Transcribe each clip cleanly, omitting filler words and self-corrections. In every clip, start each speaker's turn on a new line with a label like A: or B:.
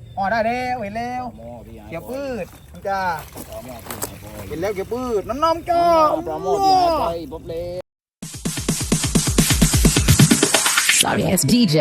A: อ๋อได้แล้วเห็นแล้ว
B: ปลาหม้อที่หาย
A: เกี่ยวปืดมันจะ
B: ปลาหม้อที่หายไป
A: เห็นแล้วเกี่ยวปืดน้องๆจ้า
B: ปลาหม้อที่หายไปบ๊อบเล่
C: Sorry ass DJ.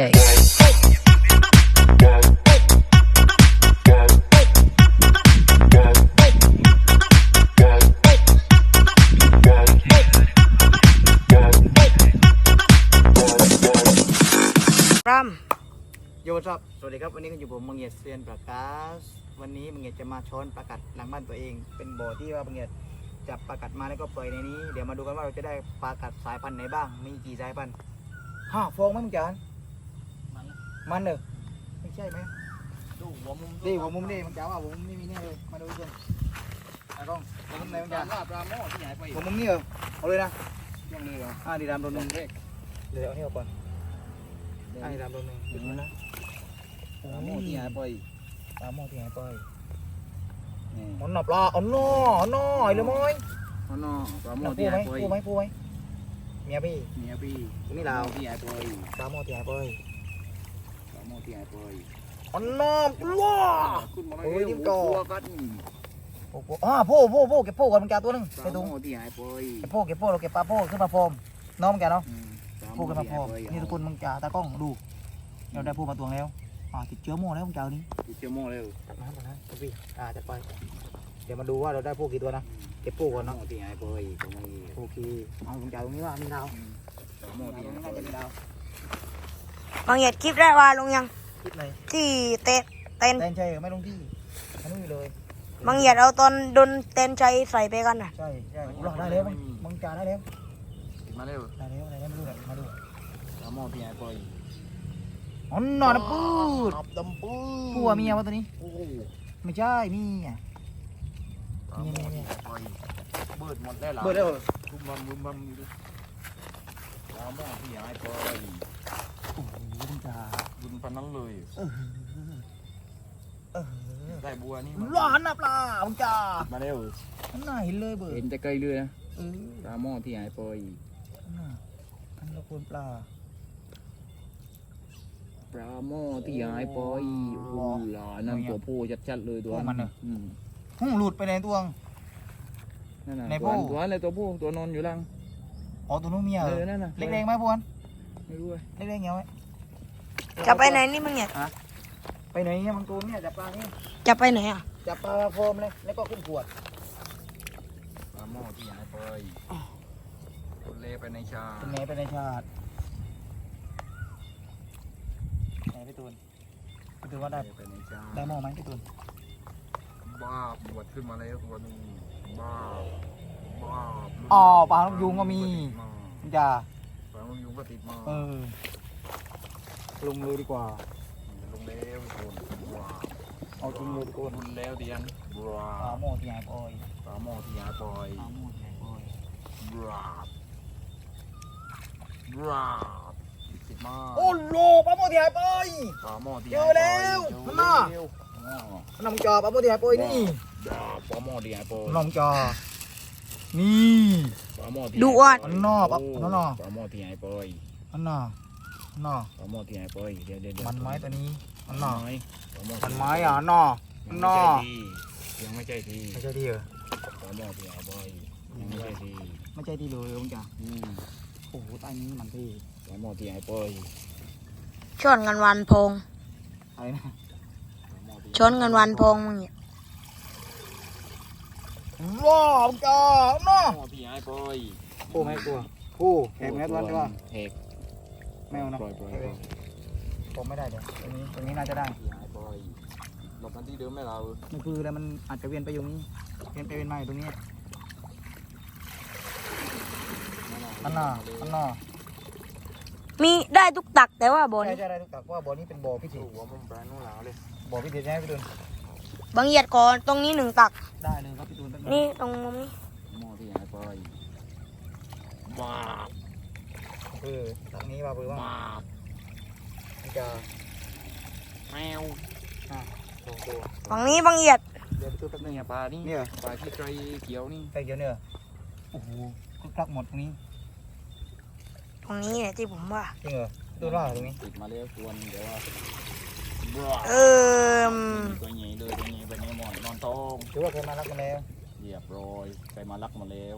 D: Ram
A: โยครับสวัสดีครับวันนี้ก็อยู่ผมมังเงียดเซียนประกาศวันนี้มังเงียดจะมาช้อนปลากัดหลังบ้านตัวเอง เป็นบ่อที่ว่ามังเงียดจับปลากัดมาแล้วก็ปล่อยในนี้เดี๋ยวมาดูกันว่าเราจะได้ปลากัดสายพันธุ์ไหนบ้างมีกี่สายพันธุ์ฟองไหมมึงจานมันเหรอไม่ใช่ไหม
B: ดูหัวมุม
A: นี่หัวมุมนี่มึงจ๋าว่าหัวมุมนี่มีแน่เลยมาดูกันไอ้กล้องหัวมุมไหนมึง
B: จา
A: จ๋าน
B: ว่าปลาหม้อที่หายไป
A: หัวมุมนี่เหรอเอาเลยนะ
B: ยังเลยเหรอ
A: ดีดามโดนหนึ่ง
B: เล็ก
A: เดี๋ยวเอานี่ออกก่อนดีดามโดนหนึ่งหยุดมันนะ
B: ปลาหม้อที่หายไป
A: ปลาหม้อที่หายไป
B: นี่
A: อ๋อหนอปลาอ๋อหนอไอ้เลยมั้ย
B: ปลาหม้อปลาหม้
A: ห
B: อ
A: ปู
B: ที่
A: ไหม
B: หายไป
A: ปูไหมปูไหมเมียพี่
B: เมียพี่
A: นี่ลาว
B: ที่หายไป
A: ปลาหม้อที่หายไป
B: ปลาหม้อที่หายไป
A: อ๋อหนอปลา
B: ขึ้นมา
A: โอ้ยจิ้มก่อ
B: หัวกัน
A: โอ้โหโป้เก็บโป้ก่อนมันแกตัวนึง
B: ป
A: ไป
B: ลาห
A: ดู
B: ม้อที่หายไป
A: เก็บโป้เราเก็บปลาโป้ขึ้นมาโฟมน้องมันแกเนาะ
B: ปลาห
A: โป้
B: ม้อ
A: ขึ้นมา
B: ที่
A: โฟ
B: หาย
A: ม
B: ไป
A: นี่ทุกคนมึงจ่าตากล้องดูเราได้โป้มาตวงแล้วติดเชื้อโม่แล้วมึงจ่านี้
B: ติดเชื้อหม้อเร็ว
A: จัดมาก่อนนะพี่จัดไปเดี๋ยวมาดูว่าเราได้โป้กี่ตัวนะเก็บโป้ก่อน
B: ปลา
A: เนาะ
B: หม้อที่หายไปตรงนี้
A: โอเคเอามึงจ่าตรงนี้ว่ามีดาว
B: ปลาหม้อที่หายไป
A: น่าจะมีดาว
D: บางเหยียดคลิปได้ว่าลงยัง
A: คิดเลย
D: ที่เต้น
A: เต้นใช่ไม่ลงที่ไม่เลย
D: บางเหยียดเอาตอนโดนเต้นใจใส่ไปกันน่ะ
A: ใช่รอได้แล้วมึงจ่าได้แล้ว
B: ติดมาเร็ว
A: ได้แล้วมาดูมาดู
B: ปลาหม้อที่หายไป
A: อ๋อหนอนปืด
B: นับดำปื้
A: ผัวเมียวะตัวนี้
B: โอ้โห
A: ไม่ใช่เมีย
B: ปลาหม้อที่หายไปเบิดหมดแล้วหรอ
A: เบิดแล้ว
B: บุ้มบัมอยู่ดิปลาหม้อที่หายไป
A: โอ้โหมึงจ่า
B: บุญพันนั้นเลย ได้บัวนี่
A: ร้อนนะปลามึงจ่า
B: มาเร็ว
A: นั่นน่ะเห็นเลยเบิด
B: เห็นจะไกลเลยนะ
A: เออ
B: ปลาหม้อที่หายไป
A: นั่นน่ะอันละคนปลา
B: ปลาหม้อที่หายไปโอ้โหหลานนั่นตัวผู้ชัดๆเลยตัวอืม
A: หลุดไปในตัวง
B: นั่นน่ะ
A: ใน
B: ตัว
A: ผู้
B: ตัวอะไรตัวผู้ตัวนอนอยู่ล่าง
A: อ๋อตัวนู้นเมีย
B: นั่นน่ะ
A: เล็กๆไหมพวน
B: ไม่รู้เลย
A: เล็กๆเงี้ยไหม
D: จะไปไหนนี่บางเหยียด
A: ไปไหนเนี่ยมังกรเนี่ยจับปลาเนี่ย
D: จะไปไหนอ่ะ
A: จับปลาโฟมเลยแล้วก็ขึ้นขวด
B: ปลาหม้อที่หายไปคนเล่ไปในชา
A: เป็นไงไปในชาติไหนพี่ตูนว่าได้
B: ไปในชา
A: ได้หม้อไหมพี่ตูน
B: บ้าบวชขึ้นมาแล้วตัวนึงบ้า
A: อ๋อปลาลูกยุงก็มีมึงจ่า
B: ปลาลูกยุงก็ติดมา
A: ลงเลยดีกว่า
B: ลงแล้วคนบ้า
A: เอาจริงเลยดีกว่า
B: คุณแล้วเดียนบ้า
A: ปลาหม้อที่หายไป
B: ปลาหม้อที่หายไป
A: ปลาหม้อที่หายไป
B: บ้าบ้าติดมา
A: โอ้โหปลาหม้อที่หายไป
B: ปลาหม้อที่
A: เจอแล้วมันน่ะ น้องจ่าปลาหม้อที่หายไปนี่
B: ปลาหม้อที่หายไป
A: น้องจ่านี่
B: ปลาหม้อที่
D: ดูอ่ะ
A: อันนอกอันนอก
B: ปลาหม้อที่หายไป
A: อันน่ะอันน่ะ
B: ปลาหม้อที่หายไปเดี๋ยว
A: มันไม้ตัวนี้อันน่ะ
B: มันไม้
A: มันไม้อ่ะอันน่ะอันน่ะ
B: ยังไม่ใช่ที
A: ไม่ใช่ดีเหรอ
B: ปลาหม้อที่หายไปยังไม่ใช่ที
A: ไม่ใช่ดีเลยน้องจ่า
B: อืม
A: โอ้โหตายนี้มันที่
B: ปลาหม้อที่หายไป
D: ชนกันวันพง
A: อะไรนะ
D: ชนกันวันพงบางเหยียด
A: ว้าวน้องจ่าอันน่ะ
B: หม้อที่หายไป
A: ผู้ไม่กลัวผู้แหกแม่ตัวใช่ป่ะ
B: แหก
A: ไม่เอานะ
B: ปล่อย
A: ผมไม่ได้เดี๋ยวตรงนี้น่าจะได้
B: ที่หายไปหลบกันที่เดิมไหมเรา
A: มันคือแล้วมันอาจจะเวียนไปอยู่นี่เวียนไปเวียนมาอยู่ตรงนี้อันน่ะอันน่ะ
D: มีได้ทุกตักแต่ว่าบ่อ
A: ใช่
D: นี้
A: ใช่ได้ทุกตักว่าบ่อนี้เป็นบ่อพิเศษ
B: หัวมุมปลาโน่นหลาเลย
A: บ่อพิเศษใช่ไหมพี่ตูน
D: บางเหยียดก่อนตรงนี้หนึ่งตัก
A: ได้เลยครับพี่ตูน
D: นี่ตรงมุมนี้
B: หม้อที่หายไปบ้า
A: ตักนี้ว่าเบอร์ว่า
B: บ้า
A: จะ
B: แมว
A: สองตัว
D: ฝั่งนี้บางเหยียด
A: เดี๋ยวพี่ตูนแป๊บนึง
B: เนี่ยปลานี่
A: เนี่ย
B: ปลาที่ไกรเขียวนี่
A: ใส่เกี๊ยวเนี่ยโอ้โหคึกคักหมดตรงนี้
D: ตรงนี้เนี่ยที่ผมว่า
A: จริงเหรอพี่ตูนว่าตรงนี้
B: ติดมาแล้วตัวนึงเดี๋ยวว่าบ้า
D: เออ
A: รือว่าเคยมารักมาแล้ว
B: เรียบร้อยใครมารักมาแล้ว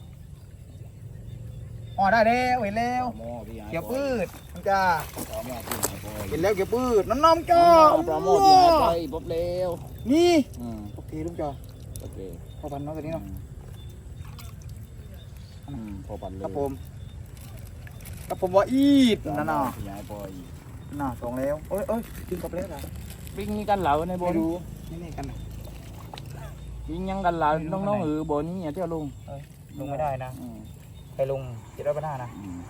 A: อ๋อได้แล้วเห็นแล้ว
B: ปลาหม้อที่หาย
A: เกี่ยวปืดมันจ้า
B: ปลาหม้อที่หายไป
A: เห็นแล้วเกี่ยวปืดน้องๆจ้า
B: ปลาหม้อที่หายไปพบแล้ว
A: นี่
B: อืม
A: โอเคลุงจ้า
B: โอเค
A: พอพันน้องตัวนี้เนาะ
B: พอปันเลย
A: ครับผมครับผมว่าอีด
B: ปลา
A: นั่น
B: หม้อ
A: น่ะ
B: ที่หายไป
A: น่ะสองแล้วเอ้ยกินกับแล้วเหรอ
B: วิ่งนี่กันเหล่าในบ
A: ไม่
B: น
A: รู้นี่กันนะ
B: วิ่งยังกันเหล่า
A: ไม่รู้
B: น้อง
A: ข้างใน
B: ๆบนนี่อย่าเที่ยวลุง
A: ลงไม่ได้นะ
B: อืม
A: ไปลง700 นะ
B: อืม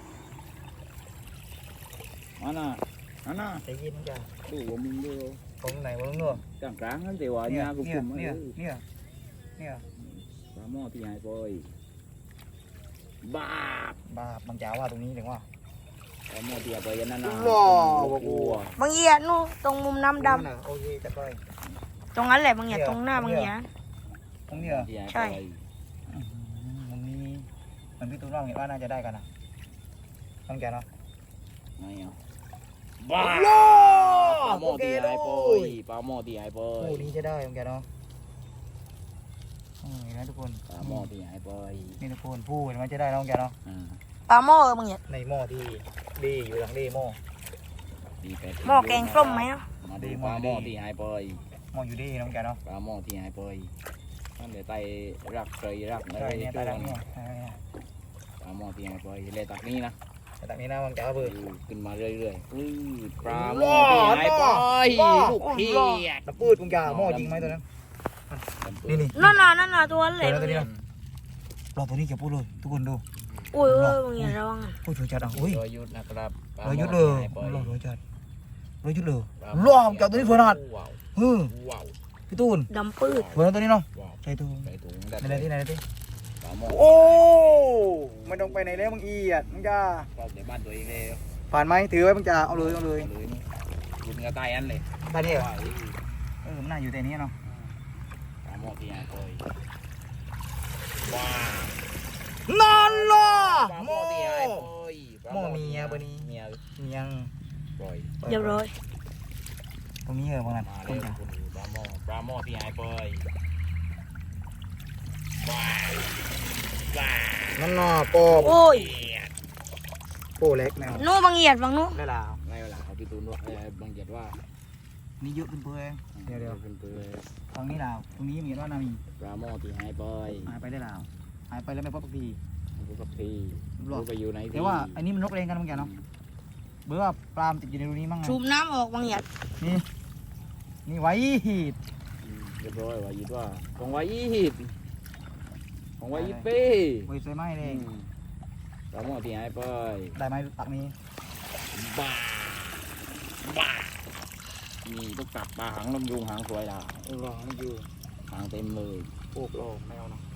B: อันน่ะ
A: ใจเย็นจ้า
B: ดูว่ามึงดู
A: ตรงไหนวะลุงเนาะ
B: กลางๆนั่นแต่ว่าเนี่ยกูคุม
A: เนี่ย
B: ปลาหม้อที่หายไปบ้า
A: บาปบางจ้าว่าตรงนี้ถึงว่า
B: ปลาหม้อที่หายไปยันนั่นน่ะ
A: หล่อ
B: กลัว
D: บางเหยียดนู่นตรงมุมน้ำด
A: โอเคจัดไป
D: ำตรงนั้นแหละบางเหยียดตรงหน้าบางเหยียด
A: ตรงนี้เหรอ
B: ที่หาย
D: ใช่
B: ไป
A: มันมีมันพี่ตุ้มว่าเห็นว่าน่าจะได้กันนะต้องแกเนาะ
B: ไม่เอาบ้า
A: หล่อ
B: ปลาหม้อ
A: โอเค
B: ที่หายไป
A: ด้วย
B: ปลาหม้อที่หายไป
A: คู่นี้จะได้ต้องแกเนาะเห็นไหมทุกคน
B: ปลาหม้อที่หายไป
A: นี่ทุกคนผู้เห็นไหมจะได้น้องแกเนาะ
B: อ่า
D: ปลาหม้อบางเหยียด
A: ในหม้อที่ดีอยู่หลังดีหม้อ
B: ดีไป
D: หม้อแกงส้มไหมอ่ะ
B: มาดูปลาหม้อที่หายไป
A: หม้ออยู่ดีน้องแกเนาะ
B: ปลาหม้อที่หายไปนั่นเลยไตรักเคยรักอะ
A: ใช่
B: ไร
A: เนี่ย
B: ช่
A: ตา
B: วย
A: ดังเนี่ยใช่เนี่ย
B: ปลาหม้อที่หายไปเลยตักนี้นะ
A: แต่จากนี้นะบางแกเบิด
B: ขึ้นมาเรื่อยๆปื้ดปลาห
A: หม้
B: ม้อ
A: อ
B: ที่หายไป
A: หม้อ
B: ลูกเขียด
A: ตะปืดบางแกหม้อจริงไหมตัวนั้นนี่
D: นั่นน่ะตัวนั้นแหละ
A: เดี๋ยว
D: บาง
A: ตัว
D: เหยี
A: นี้
D: ยด
A: นะรอตัวนี้เก็บพูดเลยทุกคนดู
D: อุ้ยบางเหยียดระวังอ่ะ
A: พูดถูกจัดอ่ะอุ้ย
B: รอยยุทธนะครับปลาร
A: อ
B: หม้
A: ยุด
B: อ
A: เล
B: ที่
A: ย
B: หายไป
A: รอจัดรอยุดเลย
B: ปลา
A: รอจับตัวนี้เฟื่อนาด
B: ว้าว
A: เฮ้ย
B: ว้าว
A: พี่ตูน
D: ดำปืด
A: เฟื่อนตัวนี้เนาะ
B: ว้าว
A: ใส่ตัว
B: ใส่ถุง
A: ในที่ไหนที่
B: ปลาหม้อ
A: โอ้ไม่ต้องไปไหนแล้วมึงอีอ่ะมึงจ้า
B: เข้าในบ้านตัวเองเลย
A: ผ่านไหมถือไว้มึงจ้าเอาเลยเอาเลย
B: เอาเลยนี่ยิงกระต่ายอันเลย
A: ได้เนี่ย
B: ว้าว
A: มันน่าอยู่แต่นี้เนาะ
B: ปลาหม้อที่หายไปว้าว
A: นั่นล่ะ
B: ปลาห
A: ห
B: ม้
A: ม้
B: อ
A: อ
B: ที่หายไป
A: หม้อเมียเบอร์นี้
B: เมีย
A: ยัง
B: ปล่อย
D: เรียบร้อย
A: ตรงนี้เหรอบางนัด
B: มา
A: ต้
B: เร็
A: น
B: ว
A: จ้า
B: คุณดูปลาหม้อที่หายไปว้าวว้าว
A: นั่นน่ะโป้
D: โอ้ย
A: โป้เล็กแมว
D: นู่นบางเหยียดบางนู้น
A: ได้แล้ว
B: ไงเวลาเอาพี่ตูนว่าบางเกียรติว่า
A: นี่เยอะเป็นเพื่อนเดี๋ยว
B: เป็นเปลือย
A: ฝั่งนี้แล้วตรงนี้มีว่านามี
B: ปลาหม้อที่หายไป
A: หายไปได้แล้วหายไปแล้วไม่พบสักที
B: ดูกับพี่
A: หรอ
B: ดูไปอยู่ไหน
A: แต่ว่าอันนี้มันนกเรงกันเหมือนกันเนาะเบื่อว่าปลามนติดอยู่ในรูนี้มั้งไง
D: สูบน้ำออกบางเหยียด
A: นี่ไว้หีด
B: เรียบร้อยว่ายิดว่าของไว้อีหิดของไว้อีเป้
A: ไว้ใส่ไม้เลย
B: ปลาหม้อที่หายไป
A: ได้ไหมตักนี้
B: บ้าบ้านี่ต้องกลับปลาหางลำยุงหางสวยล่ะ
A: รอนี่อยู่
B: หางเต็มเลย
A: โอ้โหแมวเนาะ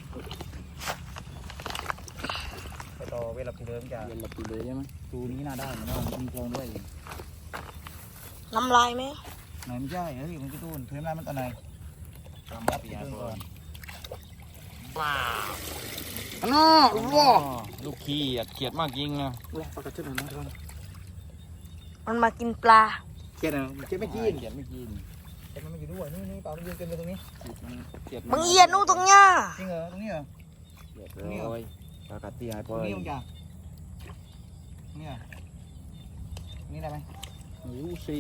A: ไปต่อเวลาที่เดิมจะ
B: เย็นละปีเลยใช่ไหม
A: รูนี้น่าได้เหมือนกันมีโครงด้วย
D: น้ำลายไหม
A: ไหนไม่ใช่เฮ้ยมันจะตูนเทมได้มันตอนไหน
B: ปลาหม้อที่หายไปบ้า
A: น้าว้า
B: ลูกขี้เขียดมากจริงนะ
A: ว้าปากกาเจ็ดหน่อยนะทุกคน
D: มันมากินปลา
A: เจ็ดหน่อยเจ็ดไม่กิน
B: เขียดไม่กิน
A: เจ็ดมันไม่อยู่ด้วยนี่เปล่ามันยืนเต็มเลยตรงนี้
B: เขียด
D: บางเหยียดนู่นตรงเนี้ย
A: จริงเหรอตรงนี้เหรอ
B: เรียบร้อยปลากัดที่หายไป
A: ตรงนี้มึงจ้ะนี่เหรอนี่ได้ไหม
B: รู้สิ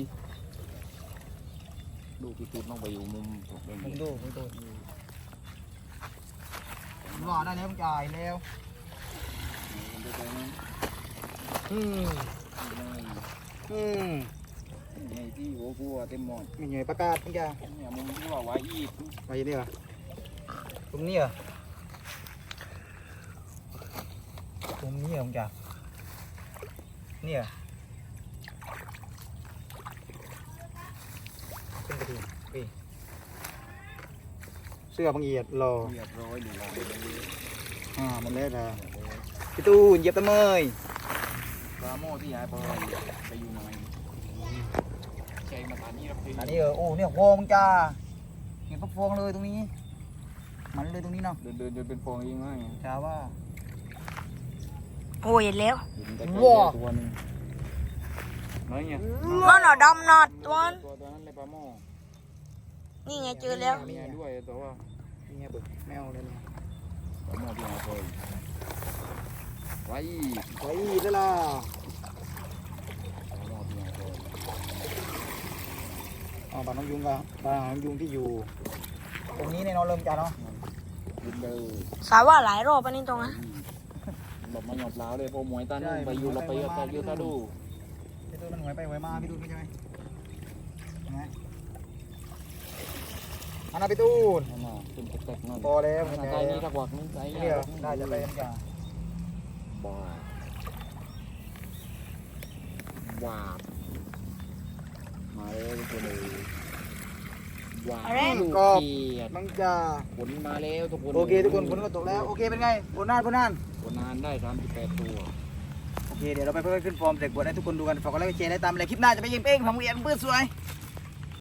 B: ดูพี่ตูนต้องไปอยู่มุมเป็น
A: มึงดูรอได้แล้วมึงจ่ายแล้วอืม
B: ไงที่หัวกูเต็มหมด
A: มีหน่วยประกาศมึงจ้ะ
B: เนี่ยมุมที่ว่าไว้อีก
A: ไปนี่เหรอตรงนี้เหรอตรงนี้เหรอมึงจ้ะนี่เหรอขึ้นไปดิเสื้อบางเอียดรอ
B: เรียบร้อยดีแล้ว
A: มันเละนะพี่ตูนเหยียบตะเมย
B: ปลาหม้อที่หายไปไปอยู่ไหนใช่มาตอนนี้ครับพี่
A: อันนี้โอ้เนี่ยฟองมึงจ้าเห็นพวกฟองเลยตรงนี้ มันเลยตรงนี้เนาะ
B: เดินจนเป็นฟองเองไง
A: จ้าว่า
D: โอ้ยเห็นแล้ว
B: ตัวนึงน้อยเนี่ย
D: นั่นน่ะดำน่ะตัวนั้น
B: ตัวนั้นเลยปลาหม้อ
D: นี่ไงเจอแล้ว
B: มีด้วยแต่ว่า
A: เนี่ยเบิกแมวเลยเนี่ย
B: ผมเอาพี่เอาไปไว้
A: ไว้ได้ละ
B: ผมเอาพี่เอาไป
A: อ๋อปลาน้องยุงกับปลาน้องยุงที่อยู่ ตรงนี้ในนอนเริ่มจ้าเนาะ
B: ยินเลย
D: สาว่าหลายรอบอันนี้ตรงนะ
B: หลบมาหยอบล้าวเลยพอหมวยตานึ่งไปอยู่เราไปเยอะตาเยอะตาดู
A: พี่ตูนมันหวยไปหวยมาพี่ตูนไม่ใช่ไหมเห็นไหมอันนั้นพี่ตูน
B: นั่นน่ะเป็นแตกๆนั่น
A: พอแล้ว
B: นั่นใจนี้ทักวักนึงใจ
A: เดี๋ยวได้จะไปกันจ้า
B: บ้าว้าบมาเลยทุกคนเลยว้าวลูกเกียด
A: น้องจะ
B: ผลมาแล้วทุกคน
A: โอเคทุกคนฝนก็ตกแล้วโอเคเป็นไงผลนาน
B: ผลนานได้38ตัว
A: โอเคเดี๋ยวเราไปเพิ่มขึ้นฟอร์มเด็กบวชให้ทุกคนดูกันฝากกดไลค์กดแชร์ได้ตามเลยคลิปหน้าจะไปยิงเป้งของเรียนเพื่อสวย